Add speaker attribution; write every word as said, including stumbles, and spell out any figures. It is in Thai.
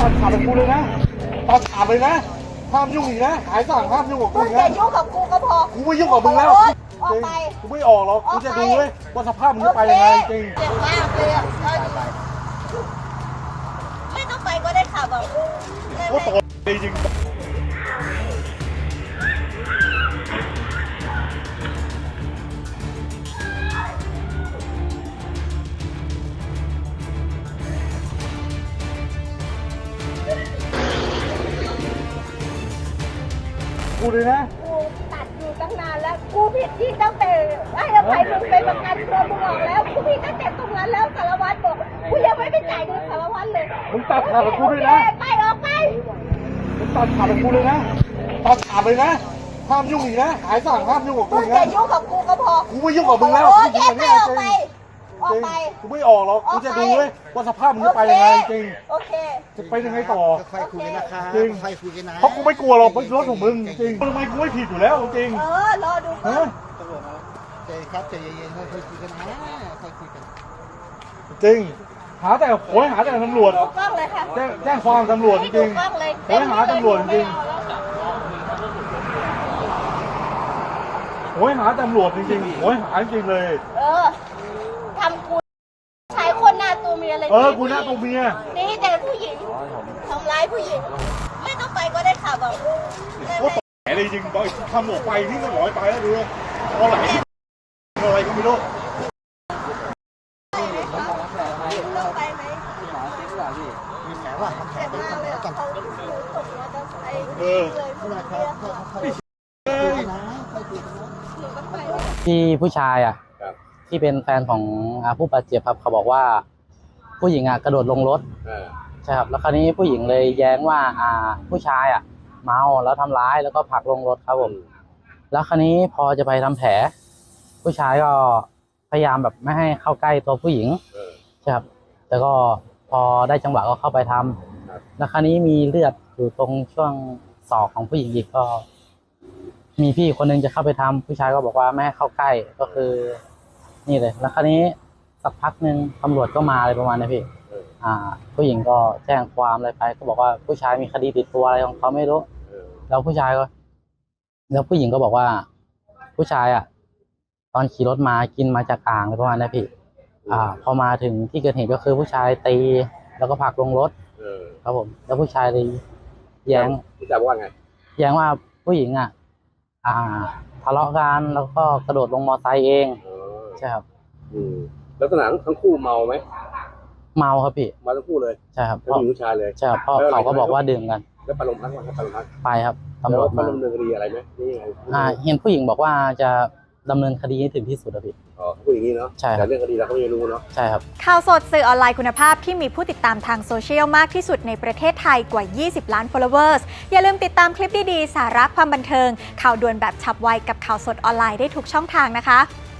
Speaker 1: ตัดขาดของกูเลยนะตัดขาดเลยนะห้ามยุ่งอีกนะหายสั่งห้ามยุ่งกับกู
Speaker 2: มึง
Speaker 1: อีก
Speaker 2: อย่า
Speaker 1: นะ
Speaker 2: ยุ่งกับกูก็พอ
Speaker 1: กูไม่ยุ่งกับมึงแล้ว
Speaker 2: ออกไป
Speaker 1: กูไม่ออกหรอกกูจะดูเลยว่าสภาพมึงจะไปยังไงจริง
Speaker 2: เจ็บมากเลยอ่ะไม่ต้องไปก็ได้ขับอ่ะ
Speaker 1: กูต่อยจริงกูเลยนะ
Speaker 2: กูตัดอยู่ตั้งนานแล้วกูผิดที่ตั้งแต่ให้อภัยมึงไปประกันตัวมึงออกแล้วกูผิดตั้งแต่ตรงนั้นแล้วสารวัตรบอกกูยังไม่ไปจ่ายเงินสารวัตรเลย
Speaker 1: มึงตัดขาดของกูด้วยนะ
Speaker 2: ไปออกไป
Speaker 1: มึงตัดขาดของกูเลยนะตัดขาดเลยนะห้ามยุ่งอีกนะหายสั่งห้ามยุ่งกับกู
Speaker 2: มึง
Speaker 1: อีก
Speaker 2: อย่า
Speaker 1: นะ
Speaker 2: ยุ่งกับกูก็พอ
Speaker 1: กูไม่ยุ่งกับมึงแล้ว
Speaker 2: โอ้ยไปออกไปออกไป
Speaker 1: กูไม่ออกหรอกกูจะดูเลยว่าสภาพมึงจะไปยังไงจริง
Speaker 2: โอเค
Speaker 1: จะไปยังไงต่อ
Speaker 3: ค่อยคุยกันนะคะ
Speaker 1: จริง
Speaker 3: ค่อยคุยกันนะ
Speaker 1: เพราะกูไม่กลัวหรอกมันรถของมึงจริงทำไมกูไม่ผิดอยู่แล้วจริง
Speaker 2: เออรอดูก่อ
Speaker 1: ฮะ
Speaker 2: น
Speaker 3: ตำรวจมาใจครับใจเย็นๆค่อยๆคุยกันนะค่อยคุยกัน
Speaker 1: จริงหาแต่โอ้ยหาแต่ตำรวจ
Speaker 2: ดูกล้องเลยค่ะ
Speaker 1: แจ้งแจ้งความตำรวจจ
Speaker 2: ให้
Speaker 1: ริ
Speaker 2: ดู
Speaker 1: ง
Speaker 2: กล้องเลย
Speaker 1: โอ้ยหาตำรวจจริงโอ้ยหาตำรวจจริงๆโอ้ยหาจริงเลย
Speaker 2: เออทำกูใช้คนหน้าตัวเมียเลย
Speaker 1: เออกูหน้าตัวเมีย
Speaker 2: นี่แต่ผู้หญิงทำร้ายผู้หญิง ไม่ต้องไปก็ได้ขับอ่ะ
Speaker 1: โอ้ยแหมเลยจริงบอยทำออกไปนี่ก็ร้อยไปแล้วดูเอาไหลอะไรก็ไม่รู้
Speaker 2: ต้องไปไหม
Speaker 3: มีแผลว่าทำแผล
Speaker 2: เจ็บ
Speaker 3: เป็น
Speaker 2: มาก
Speaker 3: ทำ
Speaker 2: เล
Speaker 3: แผล
Speaker 2: ย
Speaker 3: กัน
Speaker 2: เขาตกมอเตอร์ไซค์
Speaker 1: เออ
Speaker 2: เลย
Speaker 3: ไม่เป็นไรครับค่อยๆคุยกันนะค่อยคุยกันนะ
Speaker 2: หนูก็ไป
Speaker 4: ที่ผู้ชายอ่ะที่เป็นแฟนของอ่าผู้บาดเจ็บครับเขาบอกว่าผู้หญิงอ่ะกระโดดลงรถใช่ครับแล้วคราวนี้ผู้หญิงเลยแย้งว่าอ่าผู้ชายอ่ะเมาแล้วทำร้ายแล้วก็ผลักลงรถครับผมแล้วคราวนี้พอจะไปทำแผลผู้ชายก็พยายามแบบไม่ให้เข้าใกล้ตัวผู้หญิงใช่ครับแต่ก็พอได้จังหวะก็เข้าไปทำแล้วคราวนี้มีเลือดอยู่ตรงช่วงศอกของผู้หญิงอีกก็ มีพี่คนนึงจะเข้าไปทำผู้ชายก็บอกว่าไม่ให้เข้าใกล้ก็คือนี่เลยแล้วคราวนี้สักพักหนึ่งตำรวจก็มาอะไรประมาณนี้พี่อ่า ผู้หญิงก็แจ้งความอะไรไปก็บอกว่าผู้ชายมีคดีติดตัวอะไรของเขาไม่รู้แล้วผู้ชายก็แล้วผู้หญิงก็บอกว่าผู้ชายอ่ะตอนขี่รถมากินมาจากอ่างอะไรประมาณนี้พี่อ่า พอมาถึงที่เกิดเหตุก็คือผู้ชายตีแล้วก็ผลักลงรถครับผมแล้วผู้ชายเลยแย้ง
Speaker 5: ผู้ชายบอกว่าไง
Speaker 4: แย้งว่าผู้หญิงอ่ะ อ่าทะเลาะกันแล้วก็กระโดดลงมอไซค์เองใช่ครับ
Speaker 5: อืมลักษณะทั้งคู่เมาไหม
Speaker 4: เมาครับพี่
Speaker 5: เมาทั้งคู่เลย
Speaker 4: ใช่ครับ
Speaker 5: ทั้งผู้หญิงผู้ชายเลย
Speaker 4: ใช่ครับเพราะเขาก็บอกว่าดื่มกัน
Speaker 5: แล้วไปโรงพักวันไปโรงพัก
Speaker 4: ไปครับ
Speaker 5: ตำ
Speaker 4: ตำ
Speaker 5: ร
Speaker 4: ร
Speaker 5: ว
Speaker 4: ว
Speaker 5: จ
Speaker 4: จ
Speaker 5: มา
Speaker 4: มา
Speaker 5: ดำเนินคดีอะไรไหมนี่ยังไง
Speaker 4: อ่าเห็นผู้หญิงบอกว่าจะดำเนินคดีให้ถึงที่สุดครับพี่
Speaker 5: อ๋อเขาพูดอย่างนี้เนาะ
Speaker 4: ใช่ครับ
Speaker 5: แต่เรื่องคดีเราก็ไม่รู้เนาะ
Speaker 4: ใช่ครับ
Speaker 6: ข่าวสดสื่อออนไลน์คุณภาพที่มีผู้ติดตามทางโซเชียลมากที่สุดในประเทศไทยกว่า ยี่สิบ ล้าน followers อย่าลืมติดตามคลิปดีๆ สาระความบันเทิง ข่าวด่วนแบบฉับไวกับข่าวสดออนไลน์ได้ทุกช่องทางนะคะ